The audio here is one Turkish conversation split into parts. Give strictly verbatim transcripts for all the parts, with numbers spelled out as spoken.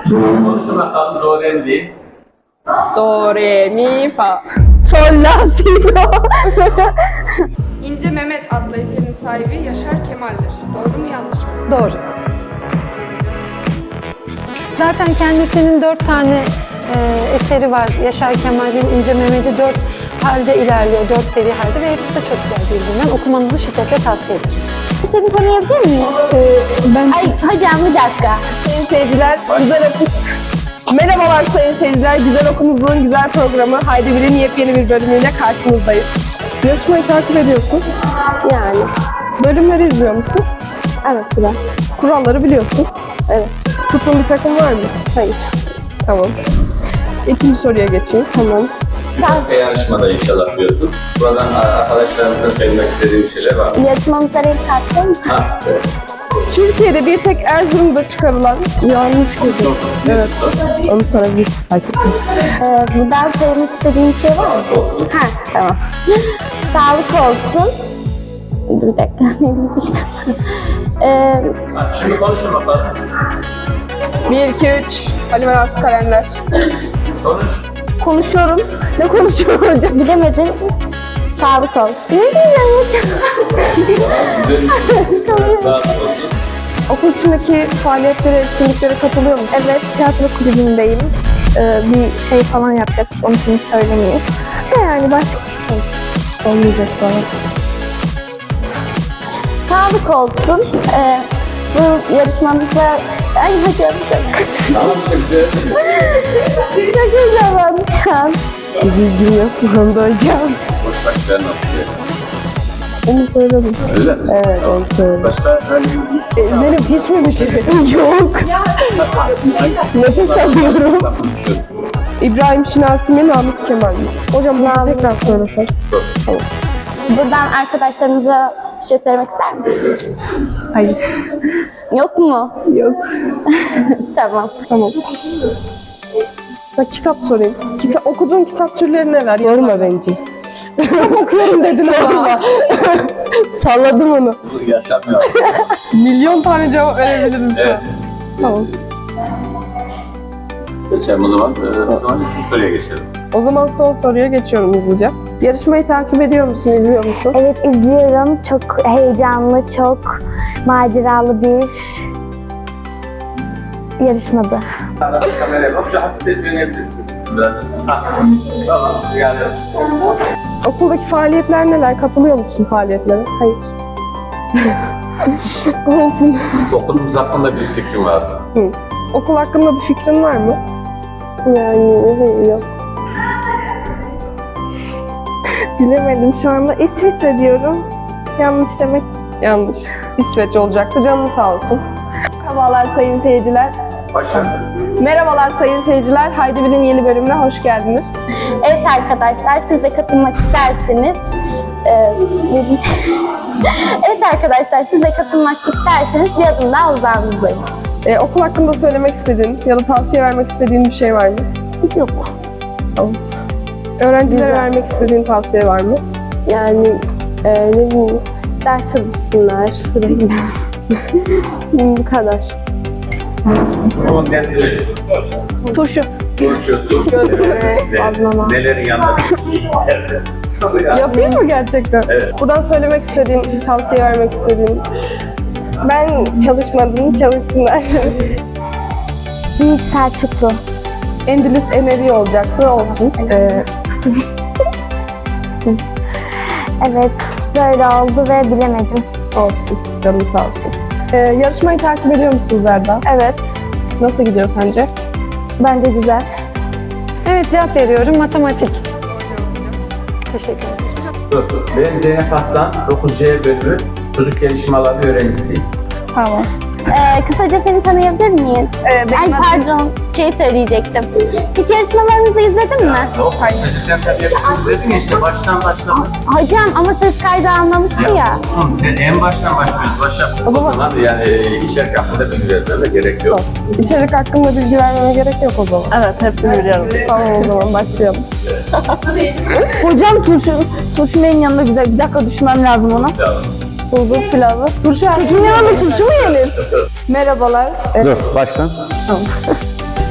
Konuşun bakalım do re mi değil. Do, re, mi, fa. Sol, la, si, do. İnce Mehmet adlı eserin sahibi Yaşar Kemal'dir. Doğru mu yanlış mı? Doğru. Zaten kendisinin dört tane e, eseri var. Yaşar Kemal'in İnce Mehmet'i dört halde ilerliyor, dört seri halde ve hepsi de çok güzel birbirinden. Okumanızı şiddetle tavsiye ederim. Seni tanıyabilir miyiz? Ben Ay hocam bir dakika. Sayın seyirciler, güzel okum. Merhabalar sayın seyirciler, Güzel Okumuzun güzel programı Haydi Bilin yepyeni bir bölümüyle karşınızdayız. Yarışmayı takip ediyorsun. Yani. Bölümleri izliyor musun? Evet sıra. Kuralları biliyorsun. Evet. Tuttuğun bir takım var mı? Hayır. Tamam. İkinci soruya geçeyim. Tamam. Bir yarışmada inşallah diyorsun. Buradan arkadaşlarımıza söylemek istediğim şeyler var mı? Yarışmamıza renk kattın mı? Ha, evet. Türkiye'de bir tek Erzurum'da çıkarılan yanlış kızım. Evet. Onu sorabilirsin. Fark ettim. Ee, buradan söylemek istediğin bir şey var mı? Olsun. Ha tamam. Sağlık olsun. Dur bir dakika ne diyecektim? ee, Ha, şimdi konuşun bakalım. Bir, iki, üç. Halime Nazlı Kalender. Konuş. konuşuyorum. Ne konuşuyorum hocam? Bilemedim. Sağlık olsun. Ne diyeceğim hocam? Güzel. Sağ olsun. Okul içindeki faaliyetlere, etkinliklere katılıyor musun? Evet, tiyatro kulübündeyim. Ee, bir şey falan yapacak, onu şimdi söylemeyeyim. De yani başka şey Olmayacak falan. sağlık olsun. Ee, bu yarışmamızda... Ay hocam çok, Tamam işte güzel. çok heyecanlandım şu an. Bir bilgim yok bu konuda hocam. Boş başlar nasıl diye. Onu söyledim. Öyle mi? Evet, onu söyledim. Başka hani E, Zeynep hiç mi bir şey? Yok. Nefes alıyorum. İbrahim Şinasi mi, Namık Kemal mi? Hocam bunu tekrar söylesek. Buradan arkadaşlarımıza bir şey söylemek ister misin? Hayır. Yok mu? Yok. Tamam. Tamam. Bak kitap sorayım. Kita okuduğun kitap türleri neler? Sorma bence. Kitap okuyorum dedin ama. Salladım onu. yaşamıyor. Milyon tane cevap verebilirim. Evet. Tamam. Geçelim o zaman. Ee, o zaman üçüncü soruya geçelim. O zaman son soruya geçiyorum hızlıca. Yarışmayı takip ediyor musun, izliyor musun? Evet izliyorum. Çok heyecanlı, çok maceralı bir yarışmadı. Kameraya bak, şu hafif de dönebilirsiniz biraz. Ha. Tamam, yani. Okuldaki faaliyetler neler? Katılıyor musun faaliyetlere? Hayır. Olsun. Okulumuz hakkında bir fikrim vardı. Hı. Okul hakkında bir fikrin var mı? Yani hayır yok. Bilemedim şu anda. İsviçre diyorum. Yanlış demek. Yanlış. İsveç olacaktı. Canın sağ olsun. Merhabalar sayın seyirciler. Başla. Merhabalar sayın seyirciler. Haydi Bilin yeni bölümüne hoş geldiniz. Evet arkadaşlar siz de katılmak isterseniz e, ne diyeceğim? Evet arkadaşlar siz de katılmak isterseniz bir adım daha uzağınızdayım. Ee, okul hakkında söylemek istediğin ya da tavsiye vermek istediğin bir şey var mı? Yok. Tamam. Öğrencilere Güzel. vermek istediğin tavsiye var mı? Yani e, ne bileyim ders çalışsınlar sürekli. Bu kadar. Onun dersiyle şu. Turşu. Turşu, turşu. Bazlama. Nelerin yanında? Yapayım mı gerçekten? Evet. Buradan söylemek istediğin, tavsiye vermek istediğin. Ben çalışmadım, çalışsınlar. Büyük Selçuklu. Endülüs Emevi olacaktı, olsun. Ee, Evet böyle oldu ve bilemedim. olsun, canın sağ olsun. Ee, yarışmayı takip ediyor musunuz Erda? Evet Nasıl gidiyor sence? bence güzel. Evet cevap veriyorum. Matematik. Teşekkür ederim. Dur. Ben Zeynep Aslan, dokuz C bölümü çocuk gelişim alanı öğrencisiyim. Tamam. Ee, kısaca seni tanıyabilir miyiz? Ee, benim Ay adım- pardon şey söyleyecektim. Hiç yarışmalarımızı izledin mi? Yok, kısaca sen tabii yapıyorsun dedin ya işte baştan başlama. Hocam ama ses kaydı almamıştı ya. Olsun, sen en baştan başlıyoruz. Başa o zaman- zaman, yani e, içerik hakkında bilgi vermeme gerek yok. İçerik hakkında bilgi vermeme gerek yok o zaman. Evet hepsini biliyorum. Tamam o zaman başlayalım. Hocam turşu, turşu neyin yanında güzel? Bir dakika düşünmem lazım ona. Bulgur pilavı. Turşu Peki ne yanında turşu mu yenir? Merhabalar. Ee, Dur, baştan.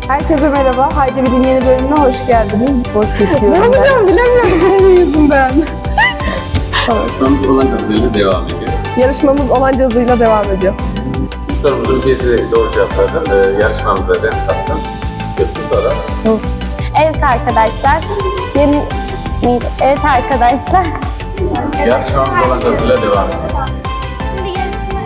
Herkese merhaba. Haydi Bilin yeni bölümüne hoş geldiniz. Boş Ne yaşıyorum ben. yapacağım bilemiyorum senin yüzünden. Yarışmamız olan hızıyla devam ediyor. Yarışmamız olan hızıyla devam ediyor. Bu sorumuzun bir de doğru cevaplardan e, yarışmamıza renk kattım. Götür sonra. Evet arkadaşlar. Yeni neydi? Evet arkadaşlar. Yarışmamız olan hızıyla devam ediyor. Şimdi yarışma...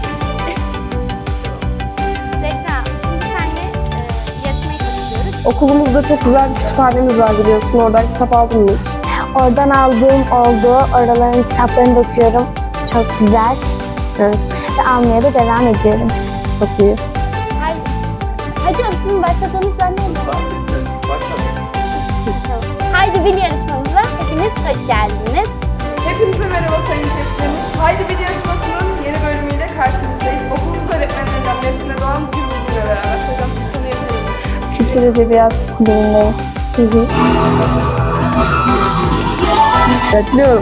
Zehra, şimdi senle e, yarışmaya katılıyoruz. Okulumuzda çok güzel bir kütüphanemiz var biliyorsun. Oradan kitap aldın mı hiç? Oradan aldığım oldu. Oraların kitaplarını da okuyorum. Çok güzel. Evet. Ve almaya da devam ediyorum. Çok iyi. Haydi. Hadi aslında başladığımız ben ne Haydi Bil yarışmamıza hepiniz hoş geldiniz. Hepinize merhaba sayın seyircilerimiz. Haydi Bil yarışmasının yeni bölümüyle karşınızdayız. Okulumuz öğretmenlerinden Metin Doğan bugün bizimle beraber. Hocam siz tanıyabilir misiniz? Kültür Edebiyat Kulübü'ndeyim. Hı hı. Bekliyorum.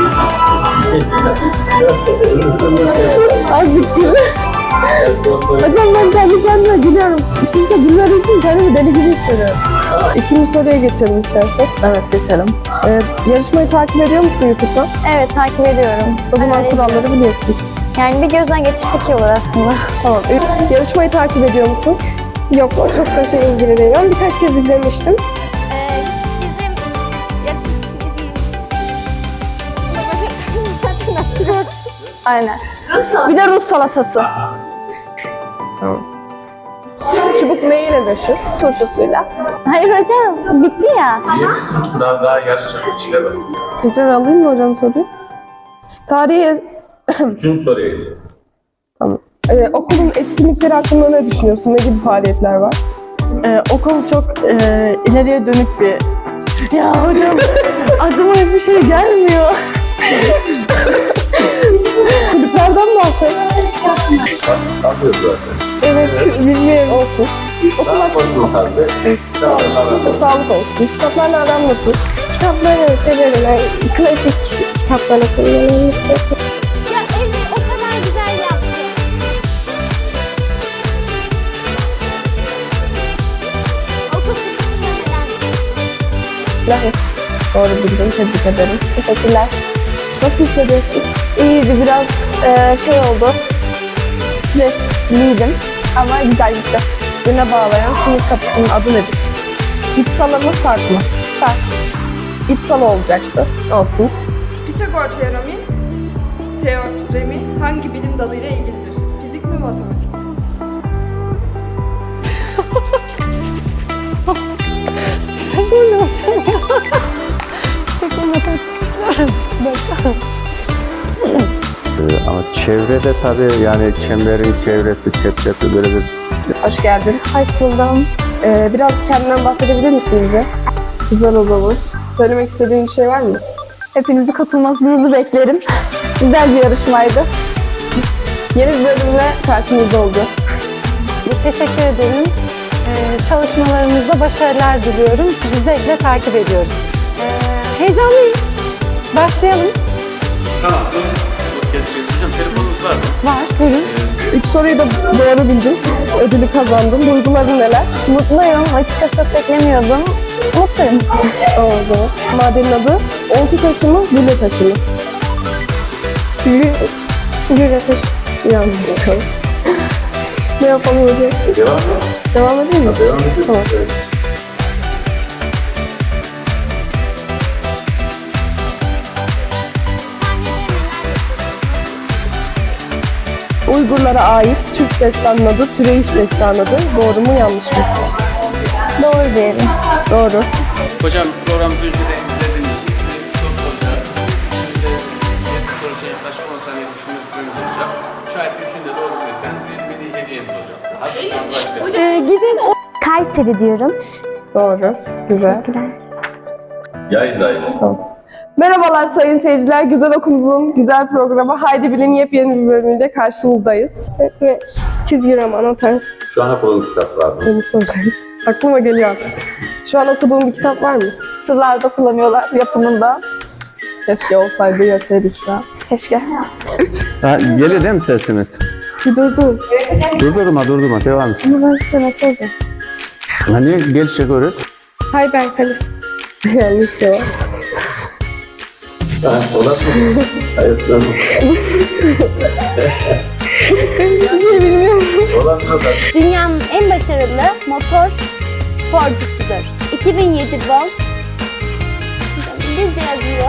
Azıcık gül. Hocam ben kendi kendime gülüyorum. Kimse gülmediği için kendimi deli gibi hissediyorum. İkinci soruya geçelim istersek. Evet geçelim. Ee, yarışmayı takip ediyor musun YouTube'da? Evet takip ediyorum. O zaman Öyle kuralları izliyorum. biliyorsun. Yani bir gözden geçirsek iyi olur aslında. Tamam. Ee, yarışmayı takip ediyor musun? Yok, o çok da şey ilgili değil. Ben birkaç kez izlemiştim. Ee, bizim yarışmamız Aynen. Bir de Rus salatası. Tamam. Çubuk neyle meşhur? Turşusuyla. Hayır hocam bitti ya. Diyebilirsin ki daha daha yarışacak kişiler var. Tekrar alayım mı hocam soruyu? Tarihi... Üçüncü soruya geçelim. Tamam. Ee, okulun etkinlikleri hakkında ne düşünüyorsun? Ne gibi faaliyetler var? Ee, okul çok e, ileriye dönük bir... Ya hocam aklıma hiçbir şey gelmiyor. Kulüplerden bahset. Sallıyoruz zaten. Evet, bilmiyorum. Olsun. Okul Daha fazla tabii. Sağlıklı. Sağlık olsun. Kitaplarla aran nasıl? Kitapları severim. Yani klasik kitaplar okuyorum. Ya evi o kadar güzel yaptı. Okul Lahir. Doğru bildin. Tebrik ederim. Teşekkürler. Nasıl hissediyorsun? İyiydi biraz e, şey oldu. Stresliydim ama güzel gitti. Güne bağlayan sınıf kapısının adı nedir? İpsala mı Sarp mı? Sarp. İpsala olacaktı. Olsun. Pisagor teoremi, teoremi hangi bilim dalıyla ilgilidir? Fizik mi, matematik mi? Ee, Ama çevrede tabii yani çemberin çevresi, çep çepli böyle bir Hoş geldin. Hoş buldum. Ee, biraz kendinden bahsedebilir misin bize? Güzel o zaman. Söylemek istediğin bir şey var mı? Hepinizi katılmasınızı beklerim. Güzel bir yarışmaydı. Yeni bir bölümle karşınızda olacağız. Teşekkür ederim. Ee, çalışmalarınızda başarılar diliyorum. Sizi zevkle takip ediyoruz. Ee, heyecanlıyım. Başlayalım. Tamam. Bu keseceğiz. Hocam telefonunuz var mı? Var, buyurun. Üç soruyu da doğru bildin. Ödülü kazandın. Duyguların neler? Mutluyum. Açıkçası çok beklemiyordum. Mutluyum. O zaman. Madenin adı oltu taşı mı, gülle taşı mı? Gülle, gülle taşı. Yanlış bakalım. Ne yapalım hocam? Devam mı? Devam edeyim mi? Devam edelim. Tamam. Evet. Uygurlara ait Türk destanının adı Türeyiş destanıdır. Doğru mu yanlış mı? Doğru diyelim. Doğru. Hocam programı önceden izlediğiniz için bir soru soracağız. Şimdi yedi soruca yaklaşık on saniye düşünmeniz süreniz olacak. Şayet üçünde doğru bilirseniz bir mini hediyeniz olacak size. Hazırsanız başlayalım. Ee, gidin o Kayseri diyorum. Doğru. Güzel. Yayındayız. Merhabalar sayın seyirciler. Güzel Okulumuzun güzel programı Haydi Bilin yepyeni bir bölümüyle karşınızdayız. Ve çizgi roman o tarz. Şu an okuduğum kitaplar mı? Benim sorum. Aklıma geliyor artık. Şu an okuduğum bir kitap var mı? Sırlarda kullanıyorlar yapımında. Keşke olsaydı yeseydik şu an. Keşke. Ha, geliyor değil mi sesimiz? Bir dur dur. Durdurma durdurma devam et. Bunu ben size nasıl olacak? Hani gel çekiyoruz. Hayır ben karıştım. Yanlış cevap. Hiçbir şey bilmiyorum. Dünyanın en başarılı motor sporcusudur. iki bin yedi Volt. İngilizce yazıyor.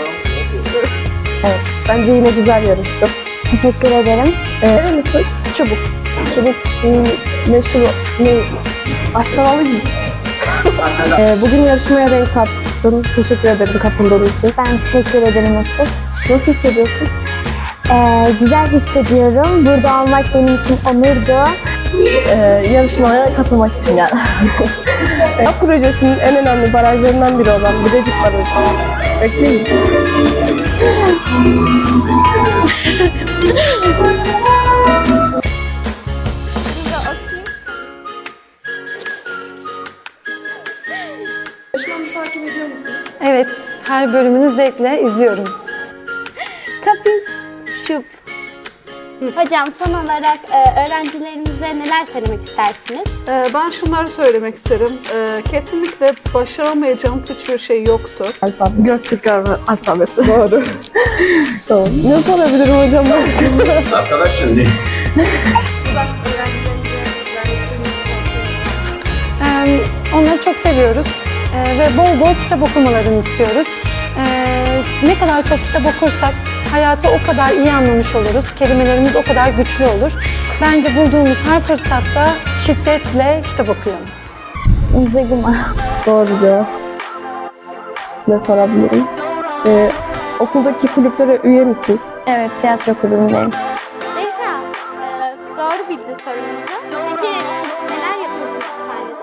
Evet, bence yine güzel yarıştım. Teşekkür ederim. Nerelisin? Çubuk. Çubuk hmm, meşhur ne? Başlamalı gibi. ee, bugün yarışmaya renk kattın. Teşekkür ederim katıldığın için. Ben teşekkür ederim Asıl. Nasıl hissediyorsun? Ee, güzel hissediyorum. Burada olmak benim için onurdu. Ee, yarışmaya katılmak için yani. Yap projesinin en önemli barajlarından biri olan Bilecik Barajı. Bekleyin. Yarışmamızı takip ediyor musunuz? Evet, her bölümünü zevkle izliyorum. Kapis şup. Hocam son olarak e, öğrencilerimize neler söylemek istersiniz? Ee, Ben şunları söylemek isterim. Ee, Kesinlikle başaramayacağım hiçbir şey yoktur. Alfabe. Göktürk alfabesi. Doğru. Tamam. Ne sorabilirim hocam? Arkadaş şimdi. Ee, onları çok seviyoruz Ee, ve bol bol kitap okumalarını istiyoruz. Ee, ne kadar çok kitap okursak hayatı o kadar iyi anlamış oluruz, kelimelerimiz o kadar güçlü olur. Bence bulduğumuz her fırsatta şiddetle kitap okuyalım. Zıgıma. Doğru cevap. Ne sorabilirim? Ee, okuldaki kulüplere üye misin? Evet, tiyatro kulübündeyim. Zehra, e, doğru bildi sorumuzu. Peki neler yapıyorsunuz sahnede?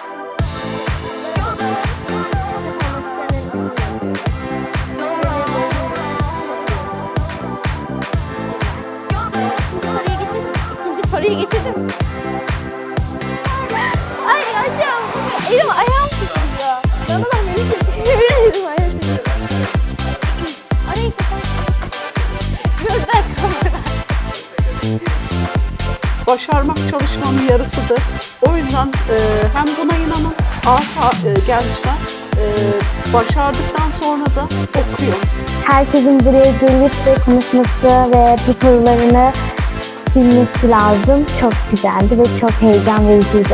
İkinci soruya geçelim. Ay hocam, elim ayağım tutuyor. Ben ulan beni tutuyor. Elim ayağım tutuyor. Orayı kapat. Gözler kamera. Başarmak çalışmanın yarısıdır. O yüzden e, hem buna inanın, arta e, gençler e, başardıktan sonra da okuyor. Herkesin buraya gelip de konuşması ve bu sorularını bilmesi lazım. Çok güzeldi ve çok heyecan vericiydi.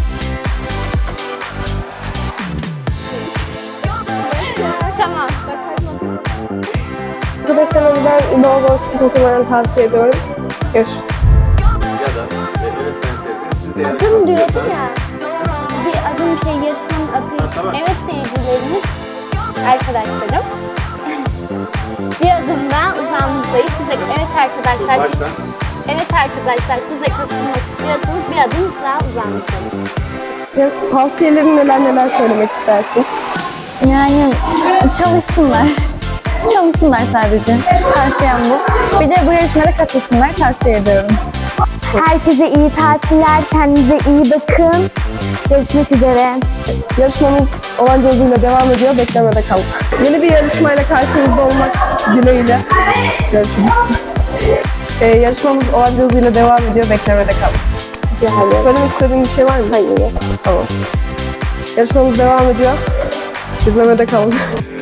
Tamam, bakalım. Arkadaşlarıma ben bol bol kitap okumalarını tavsiye ediyorum. Görüşürüz. Ya da e, öğretmen teyze, siz de Adım yarışmasını diyordu yapın. ya. Bir adım şey yarışmanın adı. Ha, tamam. Evet seyircilerimiz, arkadaşlarım. Bir adım daha uzağımızdayız. Size, evet arkadaşlar. Baştan. Evet arkadaşlar, siz de katılmak istiyorsanız bir adım daha uzağımızdayız. Ya, tavsiyelerin neler neler söylemek istersin? Yani çalışsınlar. Çalışsınlar sadece. Tavsiyem bu. Bir de bu yarışmada katılsınlar. Tavsiye ediyorum. Herkese iyi tatiller. Kendinize iyi bakın. Görüşmek üzere. Yarışmamız olan hızıyla devam ediyor. Beklemede kalın. Yeni bir yarışmayla karşınızda olmak dileğiyle. Görüşürüz. Ee, yarışmamız olan hızıyla devam ediyor. Beklemede kalın. Yani. Söylemek istediğin bir şey var mı? Hayır. Tamam. Yarışmamız devam ediyor. İzlemede kalın.